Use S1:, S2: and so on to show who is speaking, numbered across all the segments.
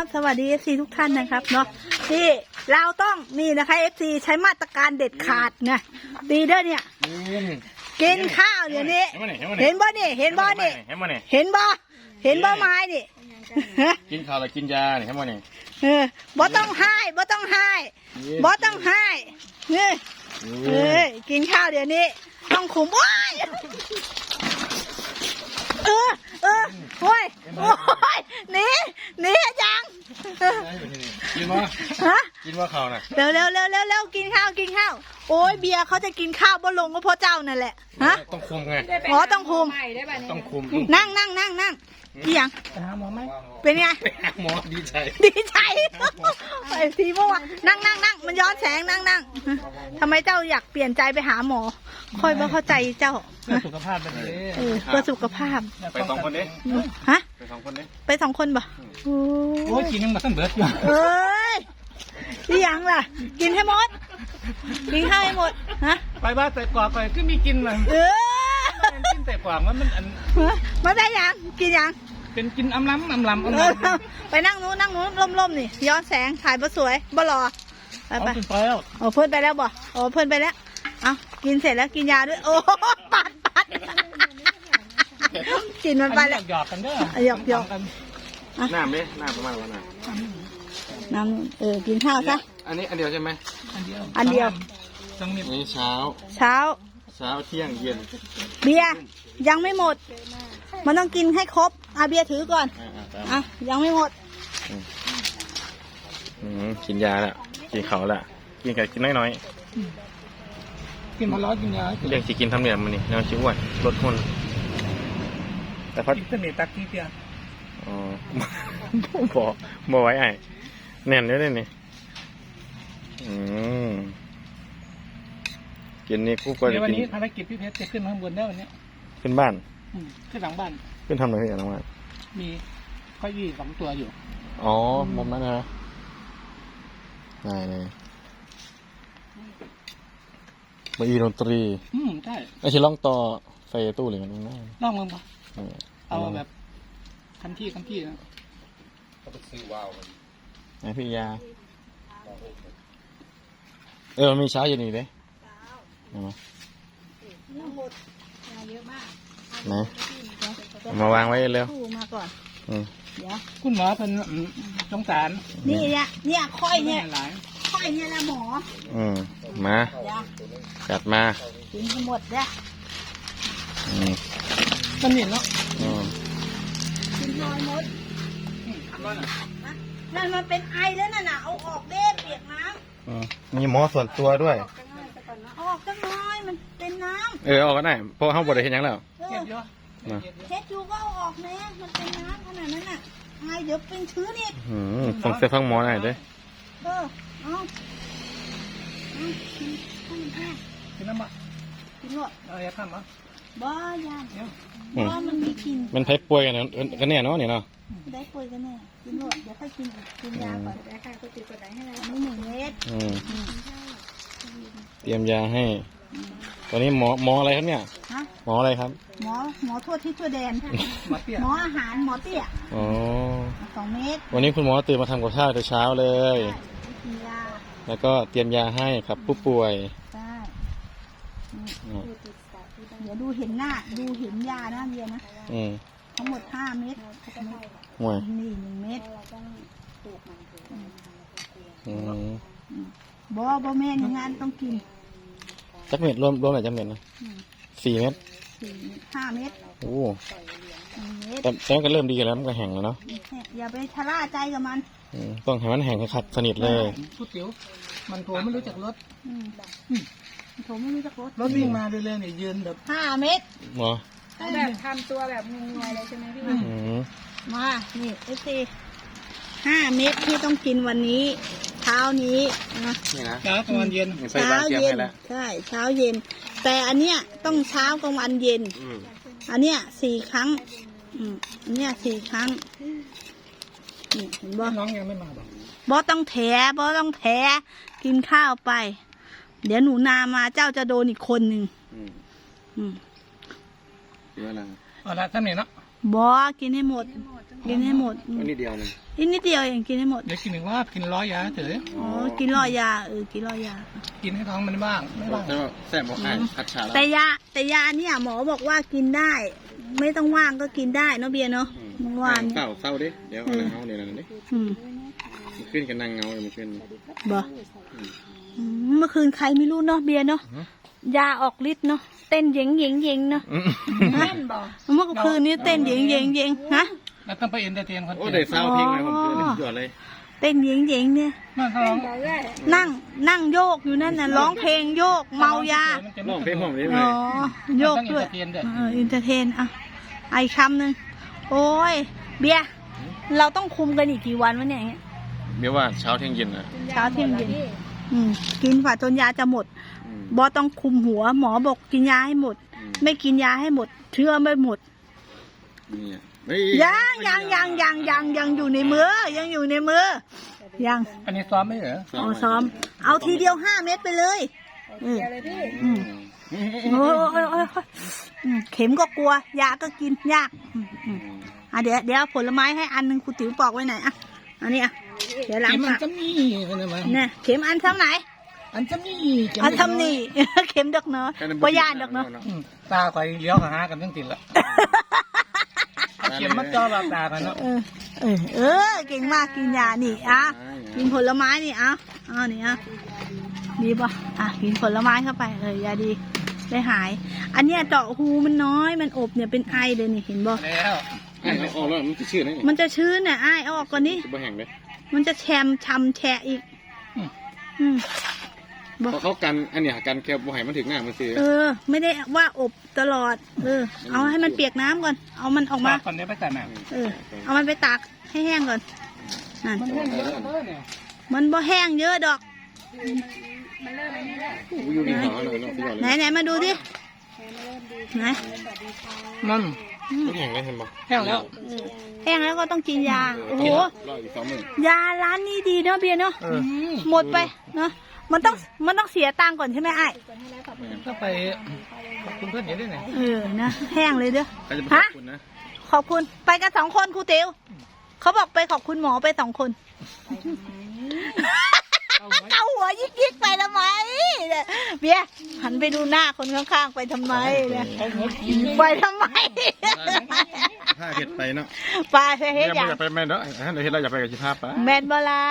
S1: สวัสดี FC ทุกท่านนะครับเนาะนี่เราต้องนี่นะคะ FC ใช้มาตรการเด็ดขาดนะดีเด้อเนี่ยกินข้าวเดี๋ยวนี้เห็นบ่นี่เห็นบ่นี่เห็นบ่ไม้นี่
S2: กินข้าวแล้วกินยาเนี่ยใช่ไหมเนี่ย
S1: บ่ต้องให้บ่ต้องให้นี่กินข้าวเดี๋ยวนี้ต้องขุมโอ้ยโอ้ยหนียัง
S2: กินวะกินว่าข้าวน่ะ
S1: เร็วกินข้าวโอ้ยเบียร์เขาจะกินข้าวบ่ลงก็เพราะเจ้านั่นแหละฮะ
S2: ต้องคุมไง
S1: อ๋อต้องคุมนั่งพี่ยัง
S3: ไปหาหมอไหม
S1: เป็นไง
S2: ไปหาหมอดีใจ
S1: ไปทีเมื่อวานนั่งมันย้อนแสงนั่งทำไมเจ้าอยากเปลี่ยนใจไปหาหมอค่อยมาเข้าใจเจ้า
S3: เพื่อสุขภาพเป็น
S1: เพื่อสุขภาพ
S2: ไป2 คนเด้
S1: ฮะ
S2: ไป2 คนเด้
S1: ไป2 คนบ่
S3: โอ้ยกินยังมาตั้งเบิดอยู่
S1: พี่ยังล่ะกินให้หมดกินข้าวให้หมดฮะ
S3: ไปบ้านแต่กว่าไปก็มีกินเลยกินแต่กว่ามัน
S1: มาได้ยังกินยัง
S3: เป็นกินอำล้ำ
S1: ไปนั่งนู้นล่มนี่ย้อนแสงถ่ายบ่สวยบ่หล่อไป
S3: แล้ว
S1: เพื่อนไปแล้วบ่เพื่อนไปแล้วเอากินเสร็จแล้วกินยาด้วยโอ้ปัดกินมันไปแล้ว
S3: หยอกกันเด้อ
S1: หยอก
S2: น้ำดิน้ำประมาณว่า
S1: น้ำกินข้าวซะ
S2: อันนี้อันเดียวใช่ไหม
S1: อันเดียว
S2: นี่เช้าเที่ยงเย็น
S1: เบียร์ยังไม่หมดมันต้องกินให้ครบเบียร์ถือก่อนยังไม่หมด
S2: กินยาแล้วกินเขาแล้วกินน้อย
S3: กินมาล้อกินยา
S2: เรียกสิกินทำเหนียมมันนี่แนวชิวอ้วนลดคนแต่พัด
S3: เสน่ห์ตักที่เพีย
S2: บ่ไว้ไอ้แน่นด้วยนี่กินนี่คู่ก็จะกิน
S3: วันนี้ภารกิจพี่เพชรจะขึ้นข้างบนได้วันนี้
S2: ขึ้นบ้าน
S3: ขึ้นหลังบ้าน
S2: ขึ้นทำอะไรกันหลังบ้าน
S3: มีข้อยี่2 ตัวอยู่
S2: อ๋อมุมนั้นนะได้มาอีดนตรี
S3: ใช่
S2: ไอ้ที่ล่องต่อไฟตู้หรือไงนั่น
S3: ล่องมึงปะเอาแบบคันที่นะ
S2: ก็ไปซื้อว้าวไอ้พี่ยามันมีเช้าเย็นอีกเลยนะมาวางไว้เร็ว
S1: มาก่อน
S3: เดี๋ยวคุณหมอเป็นสงสาร
S1: นี่เนี่ยค่อยเนี่ยละหมอ
S2: มาจัดมา
S1: กินหมดเนี่ย
S3: มันเหนียวเนาะ
S1: กินน้อยหมดนั่นมันเป็นไอแล้วน่ะเอาออกเด้เปียกน้
S2: ำมีหมอส่วนตัวด้วย
S1: ออกจังน้อยมันเป็นน้ำ
S2: ออกก็ได้เพราะห้องบดได้เห็นยังแล้ว
S1: เช็ดอยู่ก็เอาออกแม่มันเป็นน้ำขนาดนั้นน่ะไอเดี๋ยวเป็นชื้นอีก
S2: ฟังเสียงฟังหมอหน่อยด้วย
S1: เอา
S3: กินน้ำบ่
S1: กินหมด
S3: อย่าทำบ่
S1: บ่ยานบ่มันมีกิน
S2: มันไผ่ป่วยกันเนี่ยเนาะนี่เนาะ
S1: ได้ป่วยกันแน่กินหมดเดี๋ยวค่อยกินยาก่อนได้ค่ะก็ติดกดไหนให้แล้วนี่1 เม็ด
S2: เตรียมยาให้ตอนนี้หมออะไรครับเนี่ยหมออะไรครับ
S1: หมอทั่วที่ทั่วแดนหมออาหารหมอเตี้ย2 เม็ด
S2: วันนี้คุณหมอตื่นมาทำกับข้าวแต่เช้าเลยแล้วก็เตรียมยาให้ครับผู้ป่วย
S1: เดี๋ยวดูเห็นหน้าดูเห็นยานะเบียร์นะทั้งหมด5 เม็ดนี่1 เม็ดบ่แม่นงานต้องกิน
S2: จักเม็ดรวมหลายจักเม็ดนะ4 เม็ด
S1: 5 เม็ด
S2: โอ้แต่ก็เริ่มดีแล้วมันก็แห้งแล้วเนาะ
S1: อย่าไปชะล่าใจกับมัน
S2: ต้องให้มันแห้งขัดสนิทเลย
S3: พูดเดี๋ยวมันโถไม่รู้จักรถ
S1: โถไม่รู้จักรถ
S3: วิ่งมาเรื่อยๆเนี่ยยืนแบบ
S1: 5 เม็ด
S2: หรอ
S1: แบบทำตัวแบบงงๆเลยใช่ไหมพี่มานี่FC 5 เม็ดที่ต้องกินวันนี้เช้านี้นะ
S3: เช้ากลางวันเย็น
S1: ใช่เช้าเย็นแต่อันเนี้ยต้องเช้ากลางวันเย็นอันเนี้ย4 ครั้งอันเนี้ย4 ครั้งเห็นบ่
S3: น้องยังไม่มา
S1: บ่ต้องแถกินข้าวไปเดี๋ยวหนูนามาเจ้าจะโดนอีกคนหนึ่ง
S2: เยอะแล้ว
S3: เอาละท่านเนี่ยเนาะ
S1: กินให้หมด กินให้หมด
S2: อันนี้เดียวนึง
S1: อีกนิดเดียวเองกินให้หมด
S3: เดี๋ยวกินหนึ่งว่ากิน100 ยาเถอะ
S1: อ๋อกินรอยากินรอยา
S3: กินให้ท้องมันบ้างไม่บ้าง
S2: แต่ว่าแซ่บบอกให้ผัดฉาแล้ว
S1: แต่ยาเนี่ยหมอบอกว่ากินได้ ไม่ต้องว่างก็กินได้เนาะเบียร์เนาะเมื่อวานเนี่ย
S2: เศร้าดิเดี๋ยวเอาเดี๋ยวนั่นดิ
S1: อืม
S2: มันขึ้นกันนั่งเงาเลยมันขึ้น
S1: บ่เมื่อคืนใครไม่รู้เนาะเบียร์เนาะยาออกฤทธิ์เนาะเต้นเย็งเนาะเต้นบ่เมื่อคืนนี้เต้นเย็งฮะ
S3: แล้วต้องไปเอ็นเตอร์เทนคน
S2: โอ้เดี๋ยวเศร้าเพลงเลยผมขึ้นหยอดเลย
S1: เต้นเย็งเนี่ย
S3: นั่นเขาร้อง
S1: นั่งโยกอยู่นั่นน่ะร้องเพลงโยกเมายา
S2: ร้องเพลงผมได้ไหม
S1: อ๋อโยกด้วยอินเตอร์เทนอ่ะไอคำหนึ่งโอ้ยเบียร์เราต้องคุมกันอีกกี่วันวะเนี่ย
S2: เดี๋ยวว่าเช้าเที่ยงเย็นนะ
S1: เช้าเที่ยงเย็นกินฝ่าจนยาจะหมดบอต้องคุมหัวหมอบอกกินยาให้หมด ไม่กินยาให้หมดเชื่อไม่หมดยังอยู่ในมือยังอยู่ในมือยัง
S3: อันนี้ซ้อมไม่เหรอ
S1: เอาซ้อมเอาทีเดียว5 เม็ดไปเลยโอ้ยเข็มก็กลัวยาก็กินยากเดี๋ยวผลไม้ให้อันนึงครูติ๋วปอกไว้ไหนอ่ะอันนี้อ่ะเดี๋ยวล้าง
S3: มัน
S1: ปาก
S3: จะมีอะไร
S1: เนี่ยเข็มอันเท่าไหน
S3: อันจะมี
S1: อันทำนี่ เข็มดอกเนาะปยานดอกเนาะ
S3: ตาคอยเลี้ยวกับหากันตั้งติดละเข็มมันจอแบบตากันเนาะ
S1: เก่งมากกินยานี่กินผลไม้นี่นี่ดีป่ะกินผลไม้เข้าไปยาดีได้หาย อันเนี้ยเจาะหูมันน้อยมันอบเนี่ยเป็นไอเดี๋ยวนี่เห็นบ่
S3: แล้ว
S2: ออกแล้วมันจะชื่อไหน
S1: มันจะชื้นน่ะเอาออกก่อนนี่
S2: จะบ่แห้งเลย
S1: มันจะช้ำแฉะอีก
S2: เพราะเขากันอันเนี้ยกันแค่บ่ให้มันถึงหน้ามันซื้อ
S1: ไม่ได้ว่าอบตลอดเอาให้มันเปียกน้ำก่อนเอามันออกมา
S3: ก่อนเดี๋ยวไปจัดหนัง
S1: เอามันไปตากให้แห้งก่อนนั่น
S3: มันแห้งเยอะเลยเนี่ย
S1: มันบ่แห้งเยอะดอก
S2: อยู่ในหัวเลยเนาะพี่ยอดเลย
S1: ไหนมาดูดิไหน
S3: มัน
S2: มันแห้งเลยเห็นบ่
S3: แห้งแล้ว
S1: แห้งแล้วก็ต้องกินยาโอ้โห
S2: รออีก2 มื้อ
S1: ยาร้านนี้ดีเนาะเบียร์เนาะหมดไปเนาะมันต้องเสียตังค์ก่อนใช่ไหมไอ้
S3: ก็ไปคุณเพื่อนเยอะด้วยเนี่ย
S1: นะแห้งเลยเด้อ
S2: ใครจะไปขอบคุณนะ
S1: ขอบคุณไปกัน2 คนครูติ๋วเขาบอกไปขอบคุณหมอไป2 คนเอาหัวยิกไปทำไมเบียร์หันไปดูหน้าคนข้างๆไปทำไมเนี่ยไปทำไม
S2: ถ้าเฮ็ดไปเนาะ
S1: ไปเฮ็ดอย่าง
S2: อย่าไปแม่เนาะเดี๋ยวเฮ็ดเราอย่าไปกับสิภาพปะ
S1: แมนบลา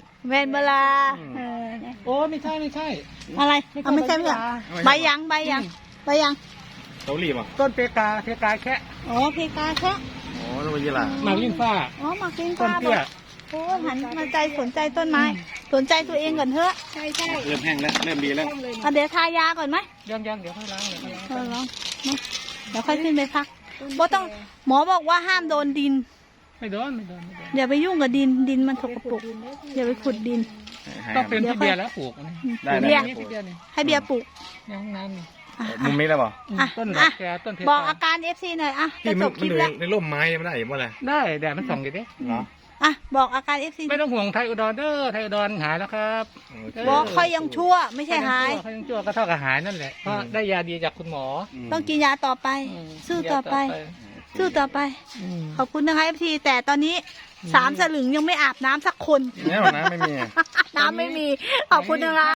S3: โอ้ไม่ใช่
S1: อะไรไม่ใช่ใบยัง
S2: เกาหลีป่ะ
S3: ต้นเพกาแค่
S1: อ๋อเพกาแค่
S2: อ๋อแล้วยี่ล่ะ
S3: มาลิ้นฟ้า
S1: อ๋อมากิน
S3: ต้น
S1: ข้าว
S3: เตี้ย
S1: โอ้หันมาใจสนใจต้นไม้สนใจตัวเองก่อนเถอะใช่
S2: เริ่มแห้งแล้วเริ่มดีแล้ว
S1: เดี๋ยวทายาก่อนไหม
S3: ยังเดี๋ยวค่อยล้าง
S1: เดี๋ยวค่อยขึ้นไปพักเพราะต้องหมอบอกว่าห้ามโดนดิน
S3: ไม่โดน
S1: อย่าไปยุ่งกับดินมันสกปรกอย่าไปขุดดิน
S3: ต้องเป็นพี่เบียร์แล้วปลูก
S2: ได้
S1: เบียร์
S3: พี่เบียร์นี่
S1: ให้เบียร์ปลูก
S3: ยังน้ำนี่
S2: มุมนี้ได้ป่ะ
S3: ต้นดอกแกต้นเพกา
S1: บอกอาการ FC หน่อยจะจบคลิปแล้ว
S2: ในร่มไม้ไม่ได้บ่ล่ะ
S3: ได้แดดมันส่องอยู่ดิ
S2: เหรอ
S1: บอกอาการ FC
S3: ไม่ต้องห่วงไทยอุดรเด้อไทยอุดรหายแล้วครับ
S1: บอกค่อยยังชั่วไม่ใช่หาย
S3: เขายังชั่วก็เท่ากับหายนั่นแหละเพราะได้ยาดีจากคุณหมอ
S1: ต้องกินยาต่อไป สู้ต่อไป ขอบคุณนะคะ FC แต่ตอนนี้3 สลึงยังไม่อาบน้ำสักคน
S2: แน่นะไม่มี
S1: น้ำไม่มี ขอบคุณนะคะ